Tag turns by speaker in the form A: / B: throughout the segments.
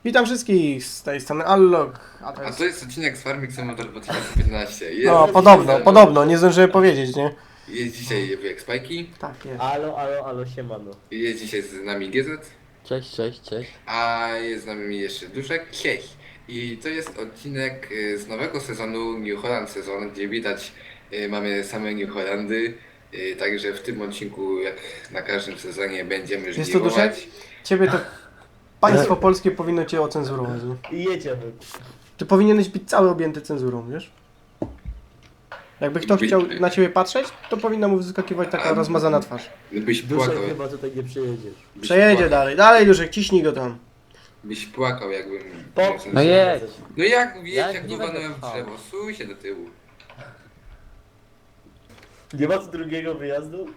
A: Witam wszystkich, z tej strony Allok.
B: A to jest odcinek z Farming Simulator 2015. Jest
A: No, podobno, nie zdążyłem powiedzieć, nie?
B: Jest dzisiaj wujek Spajki,
A: Tak, jest.
C: Alo, siemano.
B: jest dzisiaj z nami GZ,
C: Cześć.
B: a jest z nami jeszcze Duszek. Cześć! I to jest odcinek z nowego sezonu New Holland sezon, gdzie widać mamy same New Hollandy. Także w tym odcinku, jak na każdym sezonie, będziemy
A: Jest to
B: żniwować.
A: Duszek? Ciebie to państwo polskie powinno cię ocenzurować, nie?
C: I jedziemy.
A: Ty powinieneś być cały objęty cenzurą, wiesz? Jakby ktoś chciał na ciebie patrzeć, to powinna mu wyskakiwać taka rozmazana twarz.
B: Byś
C: Duszek
B: płakał,
C: chyba tutaj nie przyjedziesz.
A: Przejedzie dalej Duszek, ciśnij go tam.
B: byś płakał jakbym...
C: No jedź.
B: No jak wiesz,
C: Ja
B: jak
C: nie
B: walnąłem
C: będę
B: w
C: pchał.
B: drzewo, suj się do tyłu.
C: Nie ma tu drugiego wyjazdu?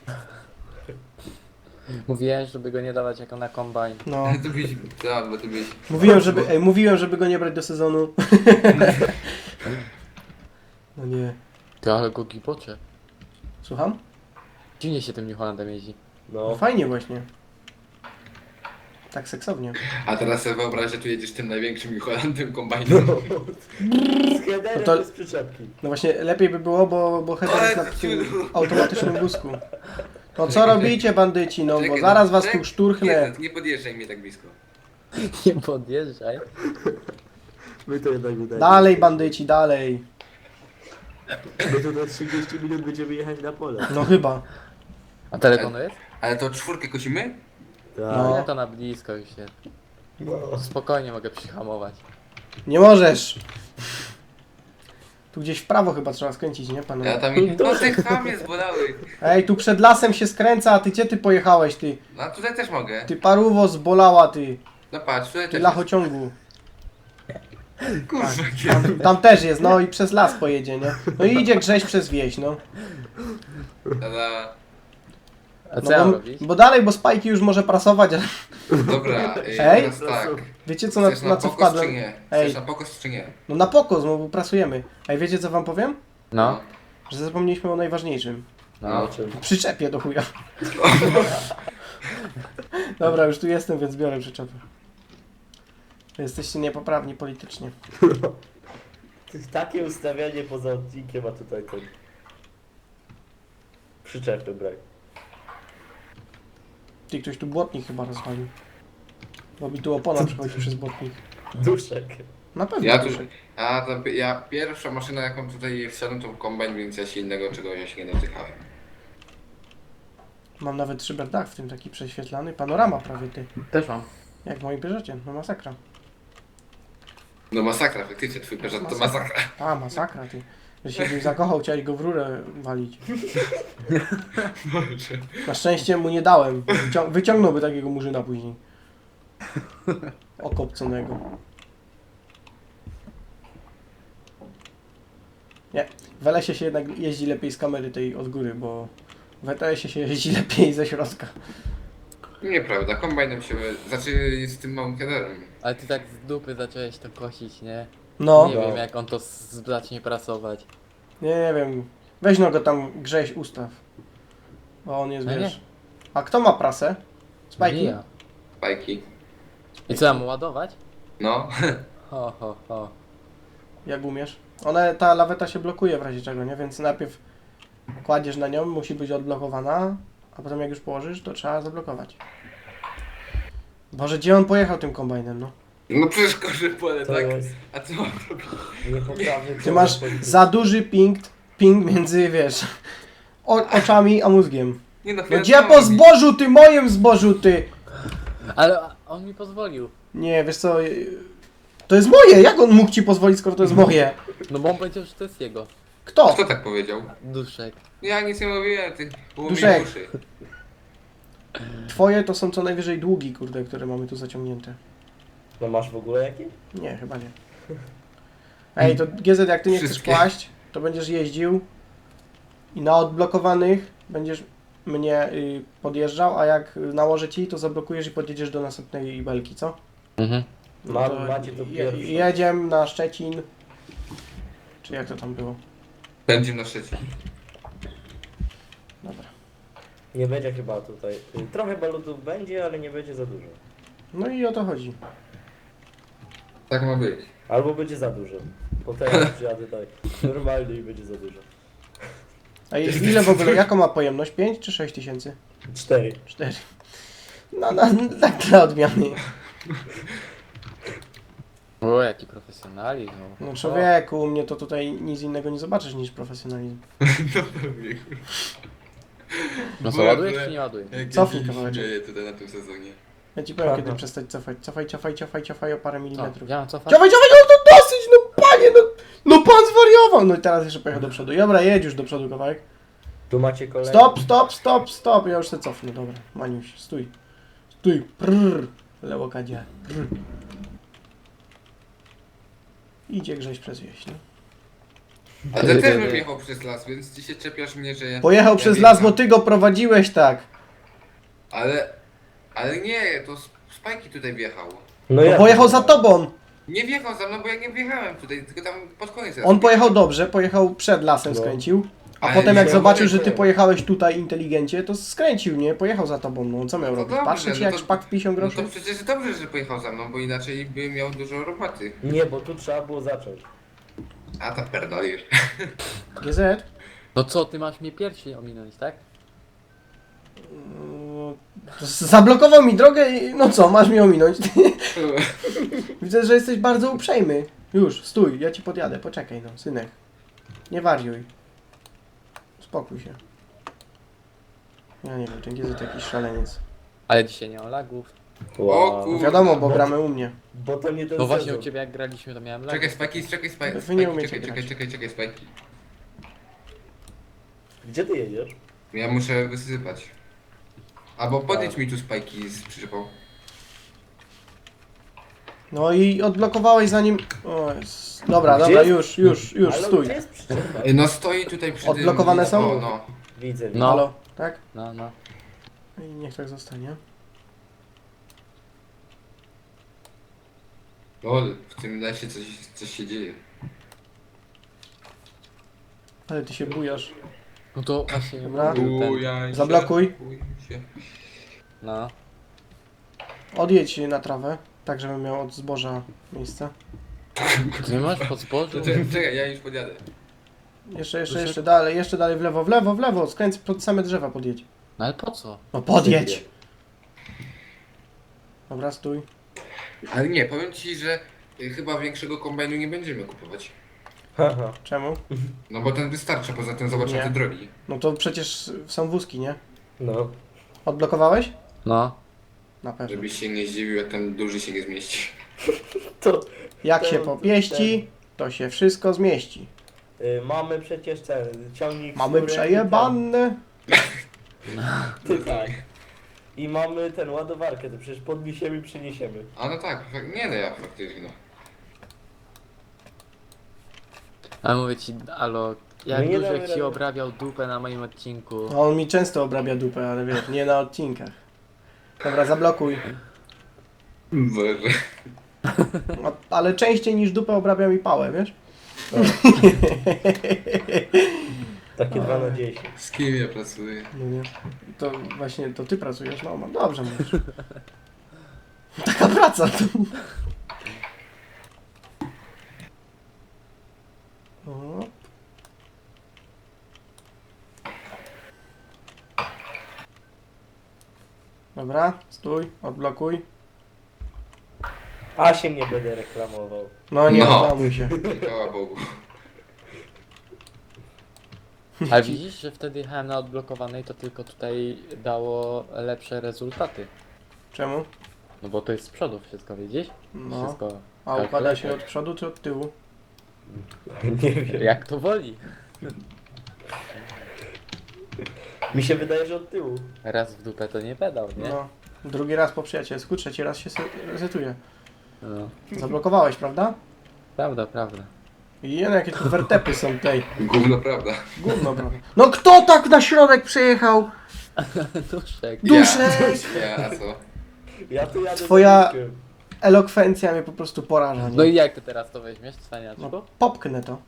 D: Mówiłem, żeby go nie dawać jako na kombajn.
A: No.
B: To byś... Tak, bo to byś...
A: Mówiłem, żeby go nie brać do sezonu. No nie.
D: Ty, ale go gibocze.
A: Słucham?
D: Dziwnie się tym New Hollandem jeździ.
A: No
C: No.
A: fajnie właśnie. Tak seksownie.
B: A teraz sobie wyobraź, że tu jedziesz tym największym Holandem kombajnem.
C: Z headerem
A: No to-
C: bez przyczepki.
A: No właśnie, lepiej by było, bo header jest na tym automatycznym wózku. No co robicie, bandyci, no bo
B: Czekaj,
A: zaraz was
B: czekaj,
A: tu szturchnę.
B: Nie podjeżdżaj mnie tak blisko.
D: Nie podjeżdżaj.
C: My to jednak udaje.
A: Dalej, bandyci, dalej.
C: My tu na 30 minut będziemy jechać na pole.
A: No chyba.
D: A telefonu jest?
B: Ale to czwórkę kosimy?
C: Tak.
A: No.
D: No to na blisko już się.
C: No.
D: Spokojnie mogę przyhamować.
A: Nie możesz. Tu gdzieś w prawo chyba trzeba skręcić, nie panu?
B: Ja tam... No ty chamie zbolały.
A: Ej, tu przed lasem się skręca, a ty gdzie ty pojechałeś, ty?
B: No a tutaj też mogę.
A: Ty paruwo zbolała, ty.
B: No patrz, tutaj
A: Ty
B: też
A: lachociągu.
B: jest. Kurwa,
A: Tam też jest, no i przez las pojedzie, nie? No i idzie Grześ przez wieś, no.
B: Tada.
D: A co
A: No
D: ja
A: bo,
D: robić?
A: bo dalej, bo Spajki już może prasować, ale
B: Dobra,
A: Ej?
B: teraz tak.
A: wiecie co
B: Chcesz
A: na co
B: pokos
A: wpadłem?
B: czy nie?
A: Ej.
B: Chcesz na pokos czy nie?
A: No na pokos, no bo pracujemy. Ej, wiecie co wam powiem?
D: No.
A: Że zapomnieliśmy o najważniejszym.
D: No.
C: O czym?
A: Przyczepie do chuja. Dobra, już tu jestem, więc biorę przyczepę. Jesteście niepoprawni politycznie.
C: Takie ustawianie poza odcinkiem, a tutaj ten... Przyczepy brak.
A: Ty, ktoś tu błotnik chyba rozwalił. Bo mi tu opona przechodzi przez błotnik.
C: Duszek.
A: Na pewno.
B: Ja tu...
A: Duszek.
B: Ja pierwsza maszyna jaką tutaj wsiadłem to kombajn, więc ja się innego czegoś się nie dotykałem.
A: Mam nawet szyberdach w tym taki prześwietlany. Panorama prawie, ty.
D: Też mam.
A: Jak moi bierzecie, no masakra.
B: No masakra, faktycznie twój Peugeot to masakra.
A: A, masakra, ty. Że się w nim zakochał, chciałeś go w rurę walić. Na szczęście mu nie dałem. Wyciągnąłby takiego murzyna później. Okopconego. Nie, w LS-ie się jednak jeździ lepiej z kamery tej od góry, bo w ETS-ie się jeździ lepiej ze środka.
B: Nieprawda, kombajnem się... Znaczy z tym małym headerem.
D: Ale ty tak z dupy zacząłeś to kosić, nie?
A: No,
D: Nie
C: No.
D: wiem jak on to zacznie prasować.
A: nie wiem. Weź no go tam Grześ ustaw. Bo on jest,
D: No nie.
A: wiesz... A kto ma prasę? Spajki?
D: Ja.
B: Bajki.
D: I co, mam ładować?
B: No.
D: Ho.
A: Jak umiesz. Ta laweta się blokuje w razie czego, nie? Więc najpierw kładziesz na nią, musi być odblokowana, a potem jak już położysz, to trzeba zablokować. Boże, gdzie on pojechał tym kombajnem, no?
B: No przecież korzy pole,
C: To
B: tak?
C: jest
B: A co mam robić?
C: niepoprawny.
A: Ty masz za duży ping między, wiesz, oczami a mózgiem.
B: Nie no,
A: No
B: chwilę,
A: gdzie
B: co
A: po
B: mam robić?
A: zbożu, ty, moim zbożu, ty!
D: Ale on mi pozwolił.
A: Nie, wiesz co, to jest moje, jak on mógł ci pozwolić, skoro to jest moje?
D: No bo on powiedział, że to jest jego.
A: Kto?
B: Kto tak powiedział?
D: Duszek.
B: Ja nic nie mówiłem, ty. Było mi
A: Duszek.
B: uszy.
A: Twoje to są co najwyżej długi, kurde, które mamy tu zaciągnięte.
C: No masz w ogóle jaki?
A: Nie, chyba nie. Ej, to GZ, jak ty nie chcesz
B: Wszystkie.
A: kłaść, to będziesz jeździł i na odblokowanych będziesz mnie podjeżdżał, a jak nałożę ci, to zablokujesz i podjedziesz do następnej belki, co?
D: Mhm.
C: Macie to pierwsze.
A: Jedziemy na Szczecin. Czy jak to tam było?
B: Będzie na trzeci.
A: Dobra.
C: Nie będzie chyba tutaj. Trochę balutów będzie, ale nie będzie za dużo.
A: No i o to chodzi.
B: Tak ma być.
C: Albo będzie za dużo. Potem jak przyjadę tak normalnie i będzie za dużo.
A: A ile w ogóle, jaką ma pojemność? 5 czy 6 tysięcy?
C: 4.
A: 4. No, tak dla odmiany.
D: O, jaki profesjonalizm.
A: No człowieku, u mnie to tutaj nic innego nie zobaczysz niż profesjonalizm.
B: No pewnie.
D: No co, ładujesz czy nie ładujesz?
A: Cofnij kawałeczek.
B: Dzieje tutaj na tym sezonie.
A: Ja ci powiem,
C: Aha.
A: kiedy przestać cofać. Cofaj o parę
D: Co?
A: milimetrów.
D: Ja mam cofać?
A: Cofaj, no to dosyć, no panie, no pan zwariował! No i teraz jeszcze pojechał do przodu. Dobra, jedź już do przodu kawałek.
C: Tu macie kolejny.
A: Stop, ja już się cofnę, dobra. Maniuś, stój. Stój, prrr. Lewo kadzie. Prrr. Idzie Grześ przez wieś, no.
B: A ten też bym jechał przez las, więc ty się czepiasz mnie, że ja...
A: Pojechał
B: ja
A: przez
B: wjecham.
A: las, bo ty go prowadziłeś tak.
B: Ale nie, to Spajki tutaj wjechał.
C: No
A: No pojechał za tobą.
B: Nie wjechał za mną, bo ja nie wjechałem tutaj, tylko tam pod koniec.
A: On pojechał dobrze, pojechał przed lasem,
C: No.
A: skręcił. A
B: Ale
A: potem jak
B: się
A: zobaczył, że ty
C: obawiam.
A: pojechałeś tutaj inteligencie, to skręcił, nie? Pojechał za tobą, no co miał
B: No
A: robić?
B: dobrze,
A: Patrzy ci
B: no
A: jak
B: to-
A: szpak w 50
B: No
A: groszy?
B: to przecież dobrze, że pojechał za mną, bo inaczej by miał dużo roboty.
C: Nie, bo tu trzeba było zacząć.
B: A to pierdolisz.
A: GZ?
D: No co, ty masz mnie pierwszy ominąć, tak?
A: Zablokował mi drogę i no co, masz mi ominąć. Widzę, że jesteś bardzo uprzejmy. Już, stój, ja ci podjadę, poczekaj no, synek. Nie wariuj. Spokój się. Ja nie wiem, ten GZ jakiś szaleniec.
D: Ale dzisiaj nie ma lagów.
B: O kur-
A: Wiadomo, bo gramy u mnie.
C: Bo to nie ten
D: No właśnie
C: sezon.
D: u ciebie jak graliśmy to miałem
B: Czekaj,
D: lagi.
B: Spajki,
A: Wy nie umiecie
B: czekaj, Spajki.
C: Gdzie ty jedziesz?
B: Ja muszę wysypać. Albo podjedź mi tu Spajki z przyczepą.
A: No i odblokowałeś zanim... O, dobra,
C: Gdzie
A: dobra,
C: jest-
A: już,
C: Ale
A: stój.
C: gdzie jest przyczepa?
B: No stoi tutaj przy
A: Odblokowane
B: tym...
A: są?
B: O, no.
C: Widzę,
D: No.
A: Halo, tak?
D: No, no.
A: I niech tak zostanie.
B: Lol, w tym lesie coś się dzieje.
A: Ale ty się bujasz.
D: No to właśnie
A: Dobra.
D: mówił ten.
B: Bujaj się,
A: Zablokuj.
B: bujaj się.
D: No.
A: Odjedź na trawę, tak żebym miał od zboża miejsce.
D: Ty nie masz pod zbożu?
B: Czekaj, ja już podjadę.
A: Jeszcze dalej w lewo, skręć pod same drzewa podjedź.
D: No ale po co?
A: No podjedź! Dobra, stój.
B: Ale nie, powiem ci, że chyba większego kombajnu nie będziemy kupować.
C: Haha.
A: Czemu?
B: No bo ten wystarczy, poza tym zobaczymy
A: Nie.
B: te drogi.
A: No to przecież są wózki, nie?
C: No.
A: Odblokowałeś?
D: No.
A: Na pewno.
B: Żebyś się nie zdziwił, jak ten duży się nie zmieści.
C: To
A: Jak
C: to-
A: się popieści, to się wszystko zmieści.
C: mamy przecież ten ciągnik. z
A: Mamy
C: którym
A: przejebane.
C: ten- Tak. I mamy ten ładowarkę, to przecież podniesiemy i przyniesiemy.
B: A no tak, nie no ja faktycznie no.
D: Ale mówię ci, Alo, jak
C: No nie damy
D: Duszek ci
C: rady.
D: obrabiał dupę na moim odcinku.
A: No, on mi często obrabia dupę, ale wiesz, nie na odcinkach. Dobra, zablokuj.
B: Boże.
A: No, ale częściej niż dupę obrabia mi pałę, wiesz?
C: Takie 2 na 10.
B: Z kim ja pracuję?
A: No nie. To właśnie, to ty pracujesz, no dobrze mówisz. Taka praca to. O. Dobra, stój, odblokuj.
C: A się nie będę reklamował.
A: No nie
B: No.
A: reklamuj się.
B: Chwała Bogu.
D: Ale widzisz, że wtedy jechałem na odblokowanej, to tylko tutaj dało lepsze rezultaty.
A: Czemu?
D: No bo to jest z przodu wszystko, widzisz?
A: No.
D: Wszystko.
A: A układa się
D: kalkulator.
A: od przodu czy od tyłu?
C: Nie wiem.
D: Jak to woli.
C: Mi się wydaje, że od tyłu.
D: Raz w dupę to nie pedał, nie?
A: No. Drugi raz po przyjacielsku, trzeci raz się resetuje.
D: No.
A: Zablokowałeś, prawda?
D: Prawda, prawda.
A: I jakie tu wertepy są tutaj.
B: Gówno prawda.
A: Gówno, prawda? No kto tak na środek przejechał?
D: Duszek.
A: Duszek!
B: Ja, a co?
C: Ja tu jadę
A: Twoja-
C: za Duszkiem.
A: Elokwencja mnie po prostu poraża.
D: No
A: Nie?
D: i jak ty teraz to weźmiesz, cwaniaczku?
A: No, popknę to.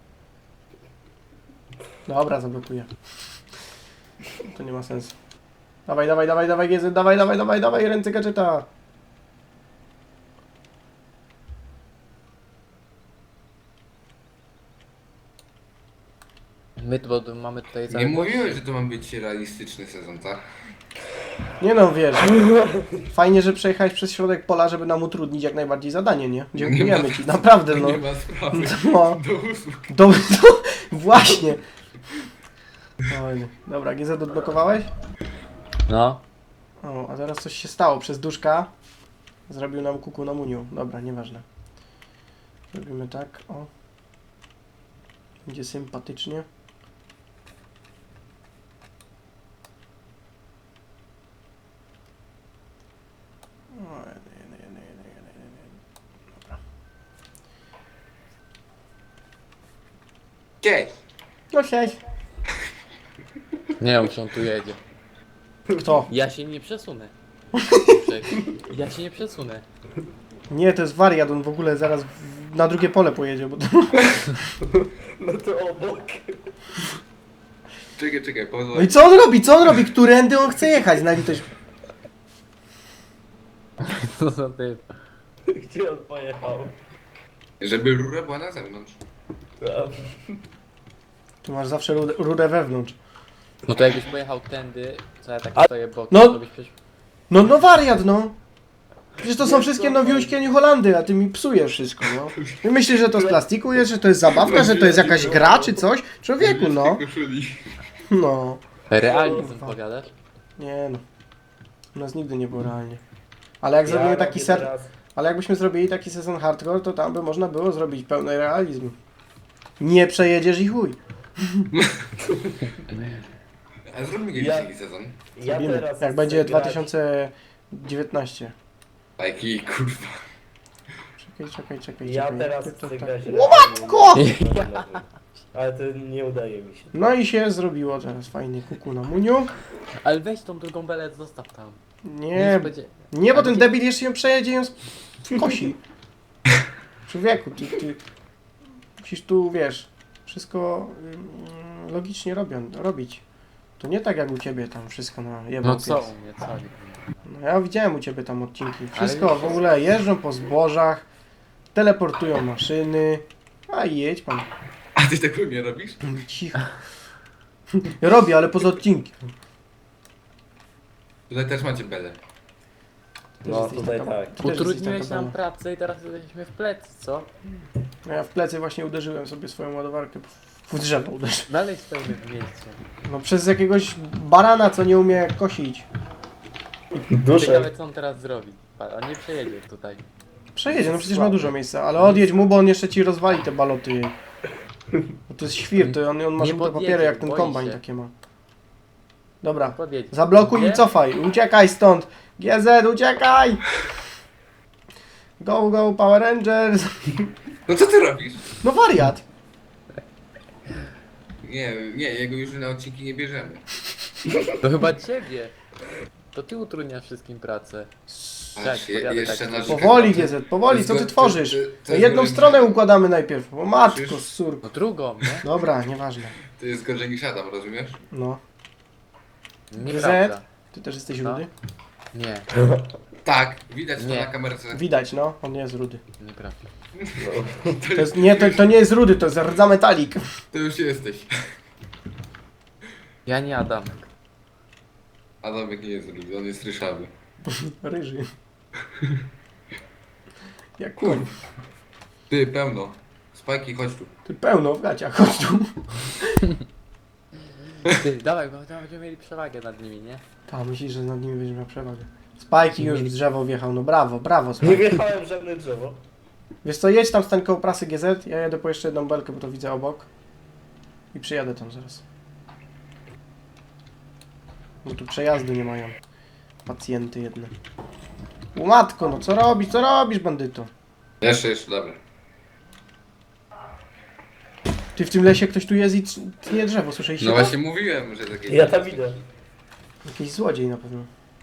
A: Dobra, zablokuję. To nie ma sensu. Dawaj, GZ, dawaj, ręce gadżeta.
D: My bo mamy tutaj
B: Nie
D: cały
B: mówiłeś, że to ma być realistyczny sezon, tak?
A: Nie no, wiesz, fajnie, że przejechałeś przez środek pola, żeby nam utrudnić jak najbardziej zadanie, nie? Dziękujemy ci, naprawdę, no.
B: Nie ma sprawy.
A: No,
B: Do usług.
A: właśnie. Oj, dobra, GZ odblokowałeś?
D: No.
A: O, a teraz coś się stało. Przez duszka zrobił nam kuku na muniu. Dobra, nieważne. Zrobimy tak, o. Będzie sympatycznie. O, dobra.
B: Cześć!
A: No cześć.
D: Nie wiem, czy on tu jedzie.
A: Kto?
D: Ja się nie przesunę. Ja się nie przesunę.
A: Nie, to jest wariat, on w ogóle zaraz na drugie pole pojedzie, bo to...
C: No to obok.
B: Czekaj,
A: No i
B: pozwól.
A: co on robi? Co on robi? Którędy on chce jechać? Na litość...
D: Co za typ.
C: Gdzie on pojechał?
B: Żeby rura była na zewnątrz.
A: Tu masz zawsze rurę wewnątrz.
D: No to jakbyś pojechał tędy, co ja tak
C: A-
D: stoję bokiem,
A: no.
D: to byś przecież...
A: No wariat, no. Przecież to są
C: Nie,
A: wszystkie
C: to-
A: nowiuśkie New Holandy, a ty mi psujesz wszystko, no. I myślisz, że to z plastiku jest, że to jest zabawka, że to jest jakaś gra czy coś? Człowieku, no.
B: Koszuli.
A: No.
D: Realizm
A: Kurwa.
D: powiadasz?
A: Nie no. U nas nigdy nie było realnie. Ale jak zrobimy taki Ale jakbyśmy zrobili taki sezon hardcore, to tam by można było zrobić pełny realizm. Nie przejedziesz i chuj.
B: A zróbmy kiedyś
C: Ja-
B: taki sezon.
C: Ja
A: Zrobimy.
C: teraz
A: Jak
C: chcę
A: będzie
C: grać-
A: 2019.
B: Taki kurwa.
C: Ja
A: czekaj.
C: teraz
A: Tak,
C: chcę
A: tak.
C: grać
A: Łomatko!
C: Ale to nie udaje mi się.
A: No i się zrobiło teraz fajny kuku na muniu.
D: Ale weź tą drugą belę, zostaw tam.
A: Nie,
D: będzie...
A: nie, bo
D: A
A: ten
D: gdzie-
A: debil jeszcze ją przejedzie i ją kosi. Człowieku, ty musisz tu, wiesz, wszystko logicznie robić. To nie tak jak u ciebie tam wszystko na jedną
D: No co u mnie, co?
A: No ja widziałem u ciebie tam odcinki.
D: Ale
A: Wszystko
D: już-
A: w ogóle jeżdżą po zbożach, teleportują maszyny. A jedź pan.
B: A ty tego nie robisz?
A: Cicho. Ja robię, ale poza odcinki.
B: Tutaj też macie belę.
A: Też
C: No
A: jesteś
C: tutaj
A: taka-
C: tak.
A: ty też jesteś
D: Utrudniłeś
A: taka
D: nam
A: bana.
D: pracę i teraz jesteśmy w plecy, co?
A: No ja w plecy właśnie uderzyłem sobie swoją ładowarkę. W drzewo uderzyłem.
D: Dalej stoimy w miejscu.
A: No przez jakiegoś barana, co nie umie kosić.
C: Duszę.
D: Ciekawe co on teraz zrobi. On nie przejedzie tutaj.
A: Przejedzie, no przecież ma dużo miejsca, ale odjedź mu, bo on jeszcze ci rozwali te baloty. Bo to jest świr, to on ma
D: Nie
A: żółte
D: podjedzie,
A: papiery, jak ten
D: boi
A: kombajn
D: się.
A: takie ma. Dobra,
D: Podjedź.
A: zablokuj i
D: Nie?
A: cofaj, uciekaj stąd! GZ, uciekaj! Go, go, Power Rangers!
B: No co ty robisz?
A: No wariat!
B: Nie, jego już na odcinki nie bierzemy.
D: To chyba ciebie. To ty utrudniasz wszystkim pracę.
B: Patrz,
D: powiadaj
B: jeszcze
D: tak.
B: na
A: Powoli GZ, powoli, co ty tworzysz? No jedną stronę układamy najpierw, o matko,
B: Przecież-
A: surko.
D: No drugą, nie?
A: Dobra, nieważne.
B: To jest gorzej niż Adam, rozumiesz?
A: No.
D: Nieprawda.
A: Ty też jesteś
D: No.
A: rudy?
D: Nie,
B: Tak, widać to
D: Nie.
B: na kamerce.
A: Widać, no, on nie jest rudy.
D: nieprawda.
A: To, jest, nie, to nie jest rudy, to jest rdza metalik.
B: To już jesteś.
D: Ja nie Adamek.
B: Adamek nie jest rudy, on jest ryszawy.
A: Ryży. Jak koń.
B: Ty, pełno. Spajki, chodź tu.
A: Ty pełno w gaciach, chodź tu.
D: Ty, dawaj, bo tam będziemy mieli przewagę nad nimi, nie?
A: Ta, myślisz, że nad nimi będziesz miał przewagę. Spajki już w drzewo wjechał, no brawo, brawo
C: Nie
A: Spajki.
C: wjechałem w żadne drzewo.
A: Wiesz co, jedź tam stań koło prasy GZ, ja jedę po jeszcze jedną belkę, bo to widzę obok. I przyjadę tam zaraz. Bo tu przejazdy nie mają. Pacjenty jedne. U matko, no co robisz bandyto?
B: Jeszcze, dobra.
A: Ty w tym lesie ktoś tu jest i tnie drzewo, słyszeliście
B: No
A: to?
B: właśnie mówiłem, że takie...
C: Ja tam idę.
A: Jakiś złodziej na pewno.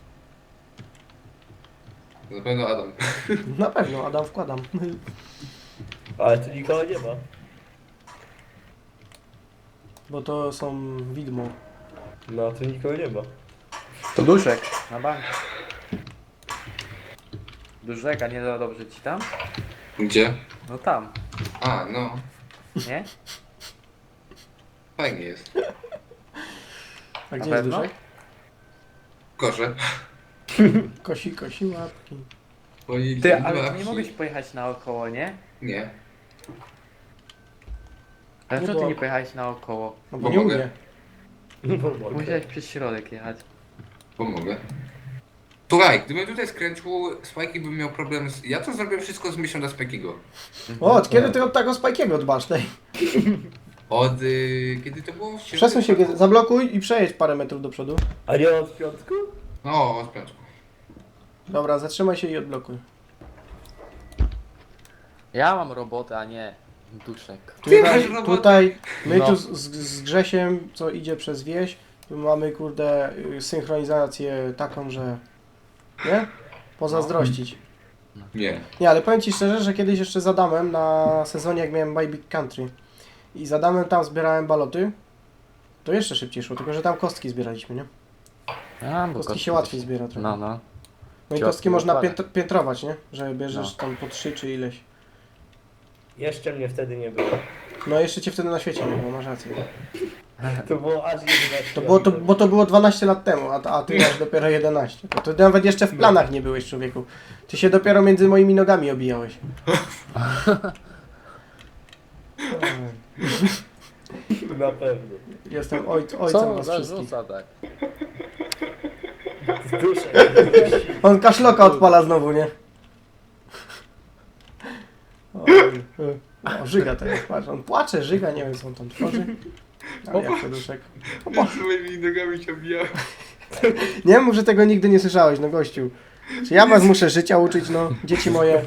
B: Na pewno Adam.
A: Na pewno, Adam wkładam.
C: Ale tu nikogo nie ma.
A: Bo to są widmo.
C: No tu nikogo nie ma.
D: To duszek. Na bank. Duszek, a nie za dobrze ci tam?
B: Gdzie?
D: No tam,
B: A, no.
D: nie?
B: Fajnie jest.
A: A gdzie
D: Na
A: jest
D: pewno?
A: duszek?
B: Korze.
A: Kosi łapki.
B: Oni
D: Ty, ale
B: dwa
D: ty nie
B: wsi-
D: mogłeś pojechać naokoło, nie?
B: Nie.
D: Dlaczego
A: bo-
D: ty nie pojechałeś naokoło?
A: No bo
B: Bo
A: nie
B: mogę.
A: umie.
C: No mogę.
D: Musiałeś przez środek jechać.
B: Pomogę. Słuchaj, gdybym tutaj skręcił, Spikey by miał problem z... Ja to zrobię wszystko z myślą dla Spike'ego.
A: O, od kiedy ty od tego Spike'ego dbasz? Tej?
B: Od... kiedy to było?
A: Przesuń się, zablokuj i przejedź parę metrów do przodu.
C: A nie od piątku?
B: No, od piątku.
A: Dobra, zatrzymaj się i odblokuj.
D: Ja mam robotę, a nie duszek.
B: Ty masz robotę.
A: Tutaj my
D: No.
A: tu z Grzesiem, co idzie przez wieś, tu mamy kurde synchronizację taką, że... Nie? Pozazdrościć.
B: Nie.
A: Nie, ale powiem Ci szczerze, że kiedyś jeszcze z Adamem na sezonie, jak miałem My Big Country i z Adamem tam zbierałem baloty, to jeszcze szybciej szło, tylko że tam kostki zbieraliśmy, nie?
D: A, bo
A: Kostki się łatwiej zbiera trochę.
D: No, no.
A: No i
D: Ciotki
A: kostki można
D: dokładnie.
A: piętrować, nie? Że bierzesz
D: No.
A: tam po 3 czy ileś.
C: Jeszcze mnie wtedy nie było.
A: No jeszcze Cię wtedy na świecie nie było, masz rację.
C: To było aż 11
A: To było, bo to było 12 lat temu, a Ty masz dopiero 11. To Ty nawet jeszcze w planach nie byłeś, człowieku. Ty się dopiero między moimi nogami obijałeś.
C: Na pewno.
A: Jestem ojcem
D: Co
A: was
D: za
A: wszystkich.
D: rzuca tak?
C: Z duszek.
A: On kaszloka odpala znowu, nie? O, żyga teraz, patrz, on płacze, żyga, nie wiem co on tam tworzy. Ale jak to duszek.
B: Z moimi nogami się obijałem.
A: Nie mów, że tego nigdy nie słyszałeś, no gościu. Czy ja was muszę życia uczyć, no, dzieci moje.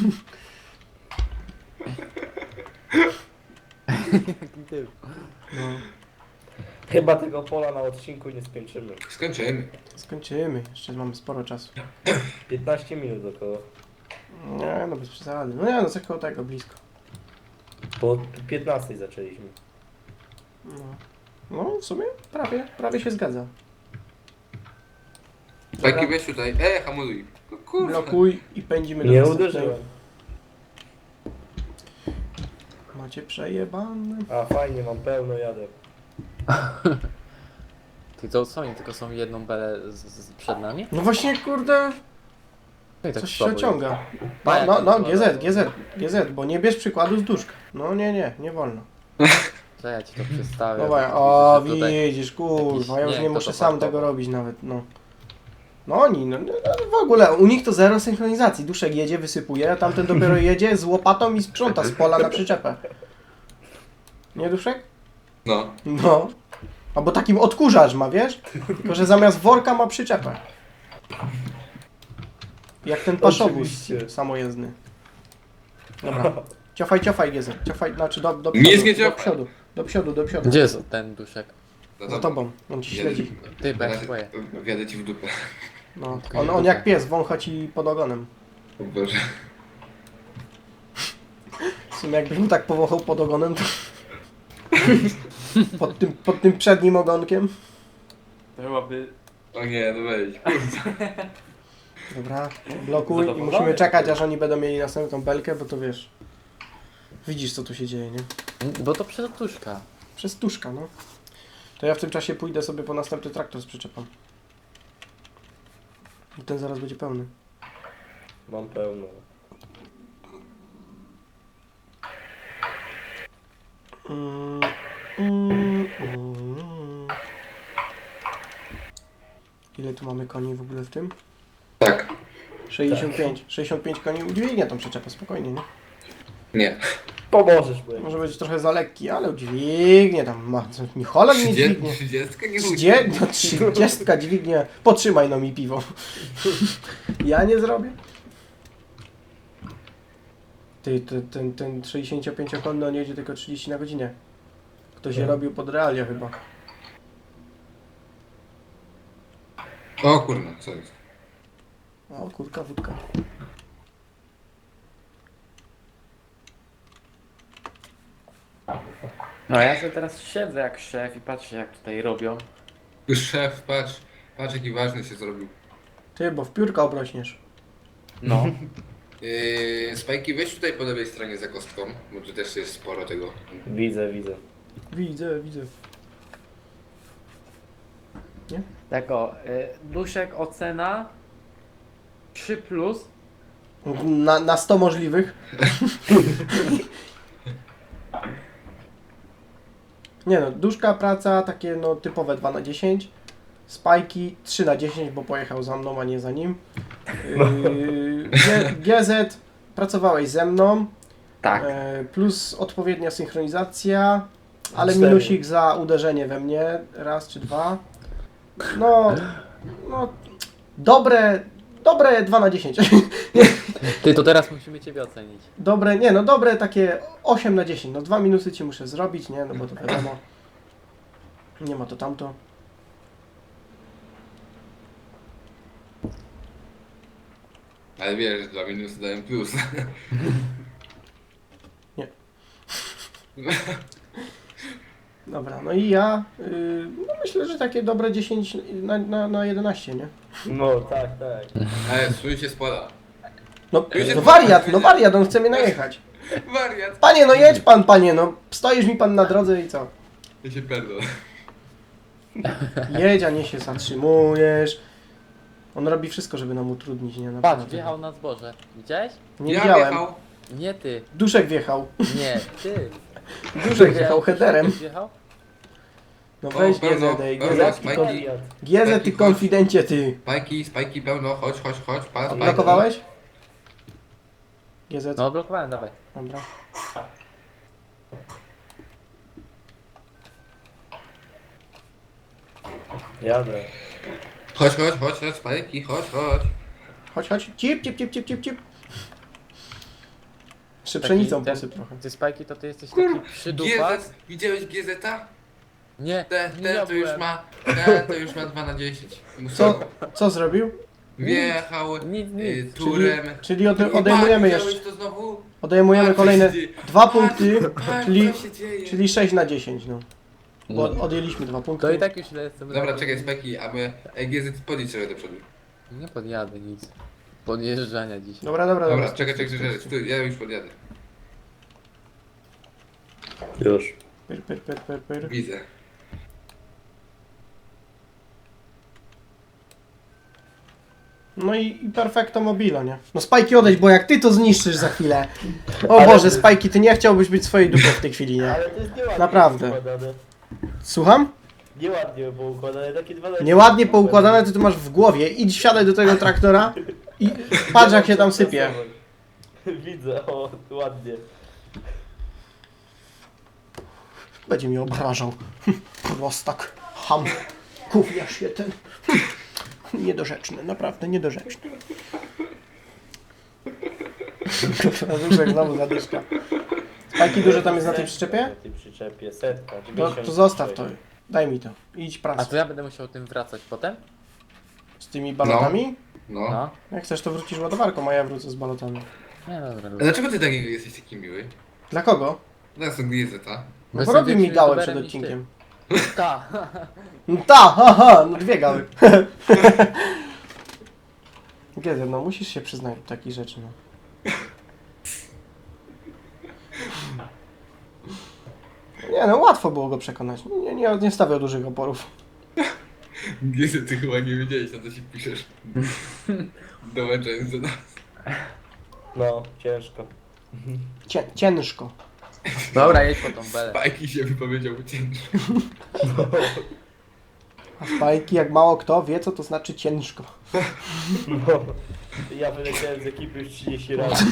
A: No,
C: Chyba tego pola na odcinku nie skończymy.
B: Skończymy.
A: skończymy, jeszcze mamy sporo czasu.
C: 15 minut około.
A: Nie, no bez przesady. No nie, no coś koło tego, blisko.
C: Po 15 zaczęliśmy.
A: No, no w sumie prawie się zgadza.
B: Spikey, weź tutaj. Hamuluj. Kurwa.
A: Blokuj i pędzimy do
C: Nie
A: następnej.
C: uderzyłem.
A: Macie przejebane.
C: A fajnie, mam pełno jadę.
D: Ty to co oni tylko są jedną belę przed nami?
A: No właśnie, kurde,
D: No i tak
A: coś się
D: słabo
A: ociąga.
D: Pa,
A: No,
D: jak
A: no,
D: to
A: GZ, bo nie bierz przykładu z duszka. No nie wolno.
D: jest. Co ja ci to przedstawię?
A: No właśnie,
D: Widzę,
A: o
D: że tutaj-
A: widzisz, kurwa, ja już
D: jakiś
A: nie
D: śnieg,
A: muszę
D: to
A: sam
D: fartowo.
A: tego robić nawet, no. No oni, no w ogóle, u nich to zero synchronizacji. Duszek jedzie, wysypuje, a tamten dopiero jedzie z łopatą i sprząta z pola na przyczepę. Nie, Duszek?
B: No.
A: No. Albo takim odkurzacz ma, wiesz? Tylko, że zamiast worka ma przyczepę. Jak ten paszobus
C: Oczywiście.
A: samojezdny. Dobra. Ciofaj, GZ. Ciofaj, znaczy do przodu.
B: Nic nie
A: do
B: ciofaj.
A: przodu. Do przodu.
D: Gdzie jest ten duszek?
B: No
A: Za tobą. On ci śledzi.
D: Ty, bo ja się boję.
B: Wjadę ci w dupę.
A: No. On jak pies, wącha ci pod ogonem.
B: O Boże.
A: W sumie jakbyś mu tak powąchał pod ogonem, to... pod tym przednim ogonkiem.
D: To byłaby...
B: O nie, no wejdź.
A: Dobra, blokuj i
C: Zadowolony.
A: musimy czekać, aż oni będą mieli następną belkę, bo to wiesz... Widzisz, co tu się dzieje, nie?
D: Bo to przez duszka.
A: Przez tuszka, no. To ja w tym czasie pójdę sobie po następny traktor z przyczepą. I ten zaraz będzie pełny.
C: Mam pełno. Ile tu mamy koni w ogóle w tym?
B: Tak.
A: 65. 65 koni udźwignie tą przyczepę, spokojnie, nie?
B: Nie.
C: Pomożesz mu.
A: Może być trochę za lekki, ale udźwignie tam ma. Nie Holland nie dźwignie.
B: 30 nie
A: 30 dźwignie. Potrzymaj no mi piwo. Ja nie zrobię. Ty, ten 65-konny on jedzie tylko 30 na godzinę. Ktoś się robił pod realia chyba.
B: O kurwa, co jest?
A: O, kurka, wódka.
D: No ja sobie teraz siedzę jak szef i patrzę jak tutaj robią.
B: Już szef, patrz jaki ważny się zrobił.
A: Ty, bo w piórka obrośniesz.
D: No.
B: Spajki, weź tutaj po lewej stronie za kostką, bo tu też jest sporo tego.
C: Widzę.
A: Widzę.
D: Tak o, duszek ocena 3+.
A: Na 100 możliwych. Nie no, duszka, praca, takie no typowe 2 na 10. Spajki 3 na 10, bo pojechał za mną, a nie za nim. GZ, pracowałeś ze mną.
D: Tak.
A: Plus odpowiednia synchronizacja, ale
C: 4.
A: minusik za uderzenie we mnie, raz czy dwa. No dobre 2 na 10.
D: Ty, to teraz musimy ciebie ocenić.
A: Dobre takie 8 na 10. No 2 minusy ci muszę zrobić, nie? No bo to wiadomo. Nie ma to tamto.
B: Ale wiesz, że 2 minusy dają plus.
A: Nie. Dobra, no i ja no myślę, że takie dobre 10 na 11, nie?
C: No tak.
B: Ale swój się składa.
A: No wariat, on chce mnie najechać.
B: Wariat!
A: Panie, no jedź pan, panie, no stoisz mi pan na drodze i co?
B: Ja się pierdolę.
A: Jedź, a nie się zatrzymujesz. On robi wszystko, żeby nam utrudnić, nie?
D: Patrz,
A: Naprawdę.
D: wjechał na zboże. Widziałeś?
A: Nie
B: Ja
A: widziałem.
B: wjechał.
D: Nie ty.
A: Duszek wjechał.
D: Nie, ty.
A: Duszek wjechał headerem.
D: Wjechał?
A: No
B: O,
A: weź
B: pełno,
A: GZ, ej,
B: pełno,
A: GZ,
B: spajki.
C: Wariat.
A: GZ, ty konfidencie, ty.
B: Spajki pełno, chodź, pan spajki.
A: Blokowałeś? GZ,
D: No, blokowałem, dawaj.
A: dobra.
C: Jadę.
B: Chodź, spajki, chodź.
A: Chodź. Cip. Jeszcze pszenicą
D: ten-
A: posyp trochę.
D: Ty Spajki, to ty jesteś taki przydupas.
B: GZ, widziałeś GZ-a?
D: Nie,
B: Ten
D: ja
B: to już
D: byłem.
B: ma, 2 na 10.
A: Co zrobił?
B: Wjechał
D: Nic.
B: turem.
A: Czyli odejmujemy
B: Widziałeś
A: jeszcze.
B: to znowu?
A: Odejmujemy
B: Patrz,
A: kolejne
B: co się dzieje.
A: 2 punkty,
B: Patrz,
A: czyli,
B: co się dzieje.
A: czyli 6 na 10, no. Bo odjęliśmy 2 punkty.
D: To i tak już źle jestem.
B: Dobra, czekaj, spajki, a my GZ podjedź sobie do przodu.
D: Nie podjadę nic. Podjeżdżania dziś.
A: Dobra.
B: Dobra, czekaj, stój, ja już podjadę.
C: Już.
A: Pyr.
B: Widzę.
A: No i perfecto mobilo, nie? No Spajki odejdź, bo jak ty to zniszczysz za chwilę. O
C: Ale-
A: Boże, Spajki, ty nie chciałbyś być swojej dupy w tej chwili, nie?
C: Ale to jest nieładnie
A: Naprawdę.
C: poukładane.
A: Słucham?
C: Nieładnie poukładane, takie 12.
A: Nieładnie poukładane to ty masz w głowie. Idź, wsiadaj do tego traktora i patrz jak się tam sypie.
C: Widzę, o, ładnie.
A: Będzie mi obrażał. Prostak. Ham. Gówniarz się ten. Niedorzeczny, naprawdę niedorzeczny. Kurwa, Duszek znowu zadyszka. Spajki duże tam jest na tej przyczepie?
C: Na tej przyczepie, setka.
A: To zostaw to. Daj mi to. Idź
D: A
A: pracę.
D: to ja będę musiał tym wracać potem?
A: Z tymi balotami?
B: No.
D: No.
A: Jak chcesz to wrócisz ładowarką, a ja wrócę z balotami.
D: Nie, dobra.
B: A dlaczego ty taki jesteś taki miły?
A: Dla kogo?
B: Teraz to GZ-a.
A: No bo robił mi gałę przed odcinkiem.
D: Ta.
A: No ta, haha, no 2 gały. Gezer, no musisz się przyznać do takich rzeczy, no. Nie no, łatwo było go przekonać. Nie stawiał dużych oporów.
B: GZ, ty chyba nie wiedziałeś, na co się piszesz. Dołączając do nas.
C: No, ciężko.
A: Ciężko.
D: Dobra, jedź po tą belę.
B: Spajki się wypowiedział ciężko.
A: A Spajki, jak mało kto wie, co to znaczy ciężko.
C: No. Ja wyleciałem z ekipy już 30 razy.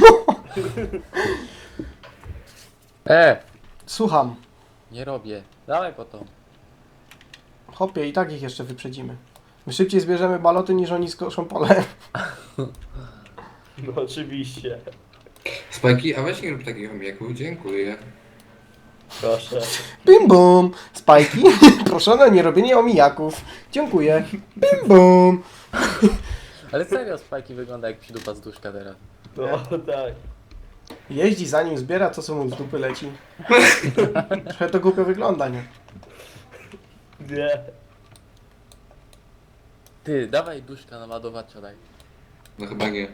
A: Słucham.
D: Nie robię. Dawaj po to.
A: Hopie, i tak ich jeszcze wyprzedzimy. My szybciej zbierzemy baloty, niż oni skoszą pole.
C: No oczywiście.
B: Spajki, a weź nie rób takich omijaków, dziękuję.
C: Proszę.
A: Bim bum! Spajki, proszę o nierobienie omijaków. Dziękuję. Bim bum!
D: Ale serio, Spajki wygląda jak przydupa z duszka teraz.
C: No tak.
A: Jeździ za nim, zbiera to, co mu z dupy leci. Trochę to głupio wygląda, nie?
C: Nie.
D: Ty, dawaj duszka na ładowacza daj.
B: No chyba nie.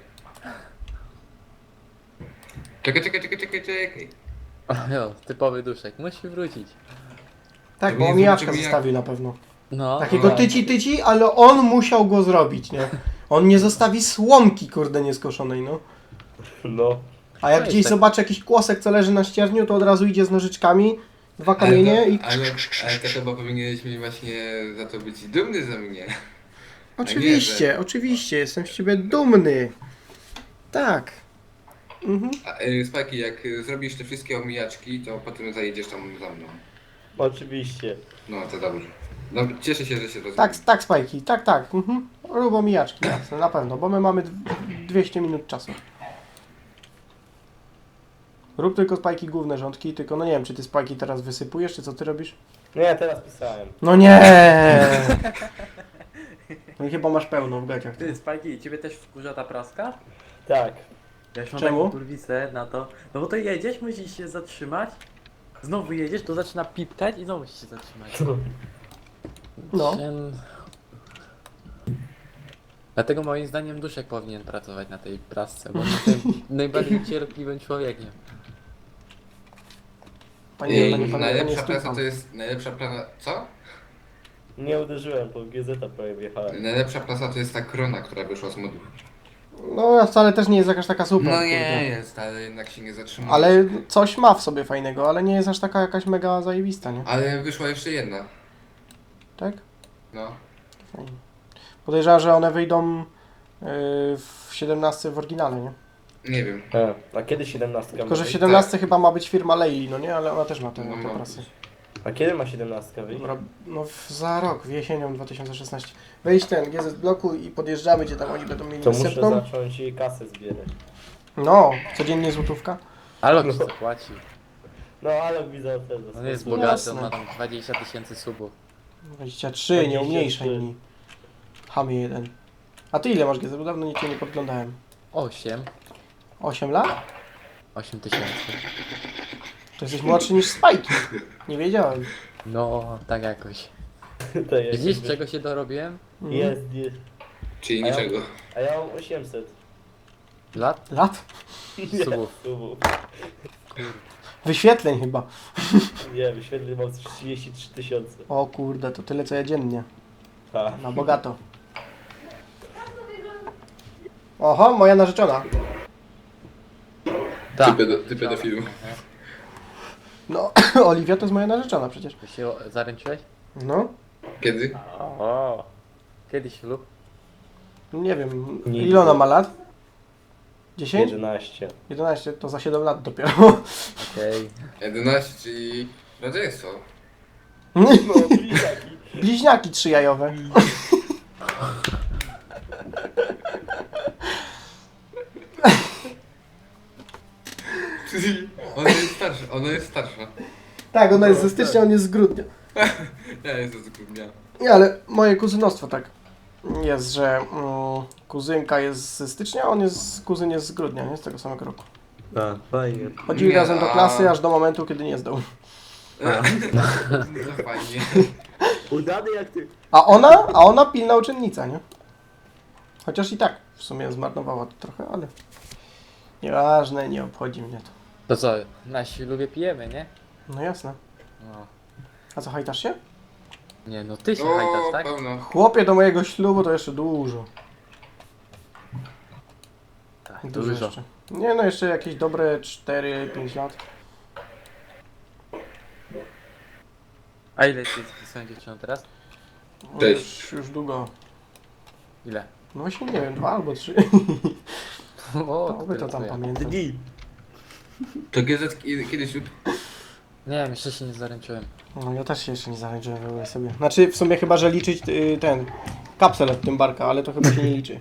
B: Czekaj.
D: O, jo, typowy duszek. Musi wrócić.
A: Tak,
B: To
A: bo
B: nie
A: omijaczka
B: zobaczymy, jak-
A: zostawił na pewno.
D: No,
A: Takiego
B: no.
A: tyci, ale on musiał go zrobić, nie? On nie zostawi słomki, kurde, nieskoszonej, no.
C: No.
A: A jak
D: To jest
A: gdzieś
D: tak.
A: zobaczy jakiś kłosek, co leży na ścierniu, to od razu idzie z nożyczkami, 2 kamienie i...
B: Ale to chyba powinieneś mi właśnie za to być dumny ze mnie.
A: Oczywiście, oczywiście, jestem z ciebie dumny. Tak. Mhm.
B: Spajki, jak zrobisz te wszystkie omijaczki, to potem zajedziesz tam za mną.
C: Oczywiście.
B: No to dobrze. No, cieszę się, że się to
A: Tak,
B: zrobi.
A: tak, Spajki, tak. Mhm. Rób omijaczki, jasne, na pewno, bo my mamy 200 minut czasu. Rób tylko Spajki główne rządki, tylko no nie wiem, czy ty Spajki teraz wysypujesz, czy co ty robisz?
C: No ja teraz pisałem.
A: No nie! No i chyba masz pełno w gaciach.
D: Ty, Spajki, ciebie też wkurza ta praska?
C: Tak.
D: Ja już mam
A: Czemu?
D: taką kurwisę na to. No bo to jedziesz, musisz się zatrzymać. Znowu jedziesz, to zaczyna pipkać i znowu musisz się zatrzymać.
A: No.
D: Dlatego moim zdaniem Duszek powinien pracować na tej prasce, bo on jest tym najbardziej cierpliwym człowiekiem.
A: Panie
B: Najlepsza praca
A: Stefan.
B: to jest... Najlepsza praca... Co?
C: Nie uderzyłem, po GZ prawie wjechałem.
B: Najlepsza praca to jest ta krona, która wyszła z modów.
A: No wcale też nie jest jakaś taka super.
B: No
A: kurde.
B: nie jest, ale jednak się nie zatrzymuje.
A: Ale coś ma w sobie fajnego, ale nie jest aż taka jakaś mega zajebista, nie?
B: Ale wyszła jeszcze jedna.
A: Tak?
B: No.
A: Fajnie. Podejrzewam, że one wyjdą w 17 w oryginale, nie?
B: Nie wiem.
C: A kiedy 17?
A: Tylko, że w
C: ma
A: 17 chyba ma być firma Leili, no nie? Ale ona też ma te
B: No,
A: prasy.
C: wyjść? A kiedy ma 17 wyjść?
A: Dobra, no za rok, jesienią 2016. Wejdź ten GZ bloku i podjeżdżamy, gdzie tam oni będą mieli
C: To muszę
A: następną.
C: zacząć jej kasę zbierać.
A: No, codziennie złotówka.
D: Ale on ci zapłaci.
C: No ale widzę też.
D: On jest
A: No
D: bogaty,
A: jasne.
D: on ma tam 20 000 subów.
A: 23, nie
C: 23.
A: umniejszaj mi. Hamie jeden. A ty ile masz GZ? Bo dawno nic cię nie podglądałem.
D: 8.
A: 8 lat?
D: 8000.
A: To jesteś młodszy niż Spajki. Nie wiedziałem.
D: No, tak jakoś.
C: To jest,
D: Widzisz, czego się dorobiłem?
A: Mhm.
C: Jest.
B: Czyli
C: A ja-
B: niczego.
C: A ja mam 800.
D: Lat?
A: Lat?
D: Subów.
C: Subów.
A: Wyświetleń chyba.
C: Nie, wyświetleń mam 33 tysiące.
A: O kurde, to tyle co ja dziennie.
C: Ha.
A: Na bogato. Oho, moja narzeczona.
D: Tak.
B: Ty pedofilu.
A: No, Oliwia to jest moja narzeczona przecież.
D: Ty się zaręczyłeś?
A: No,
B: Kiedy?
D: O. Kiedy ślub?
A: nie wiem.
C: Nigdy.
A: Ile ona ma lat? 10?
C: 11.
A: 11, to za 7 lat dopiero.
D: Okej.
B: 11, czyli rodzeństwo.
C: No, bliźniaki.
A: Bliźniaki trzyjajowe.
B: Ona jest starsza, ona jest starsza.
A: Tak, ona jest ze stycznia, on jest z grudnia.
B: Ja jestem z grudnia.
A: Nie, ale moje kuzynostwo tak jest, że kuzynka jest ze stycznia, kuzyn jest z grudnia, nie? Z tego samego roku.
C: A, fajnie.
A: Chodzili
B: Nie,
A: razem do
B: a-
A: klasy, aż do momentu, kiedy nie zdał.
B: To fajnie.
C: Udany jak ty.
A: A ona pilna uczennica, nie? Chociaż i tak w sumie zmarnowała to trochę, ale nieważne, nie obchodzi mnie to.
D: To co, na ślubie pijemy, nie?
A: No jasne.
D: No.
A: A co, hajtasz się?
D: Nie, no ty się hajtasz,
B: O,
D: tak?
B: pełno.
A: Chłopie, do mojego ślubu to jeszcze dużo.
D: Tak,
A: Dużo
D: dużo.
A: jeszcze. Nie no, jeszcze jakieś dobre 4-5 lat.
D: A ile ty z swoją dziewczyną teraz?
B: Cześć.
A: Już długo.
D: Ile?
A: No właśnie nie wiem, 2 albo 3.
D: O,
A: To wy to tam
D: tyle.
A: pamiętam.
C: Dni.
B: To GZ kiedyś
D: Nie wiem, jeszcze się nie zaręczyłem.
A: No ja też się jeszcze nie zaręczyłem w ogóle sobie. Znaczy w sumie chyba, że liczyć ten kapsel od tym barka, ale to chyba się nie liczy.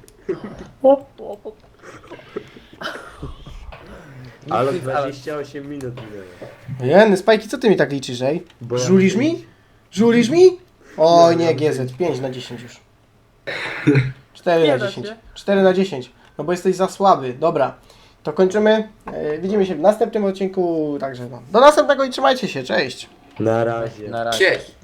C: Ale
D: Nikt-
C: 28 minut minęło.
A: Jeny, Spajki, co ty mi tak liczysz, ej?
C: Bo ja
A: Żulisz
C: mówię-
A: mi? Żulisz mi? Oj
C: Ja
A: nie,
C: mówię-
A: GZ, 5 na 10 już. 4
D: Nie
A: na
D: da
A: 10.
D: się.
A: 4 na 10. No bo jesteś za słaby. Dobra. To kończymy. Widzimy się w następnym odcinku. Także no. Do następnego i trzymajcie się. Cześć.
C: Na razie.
D: Na razie.
B: Cześć.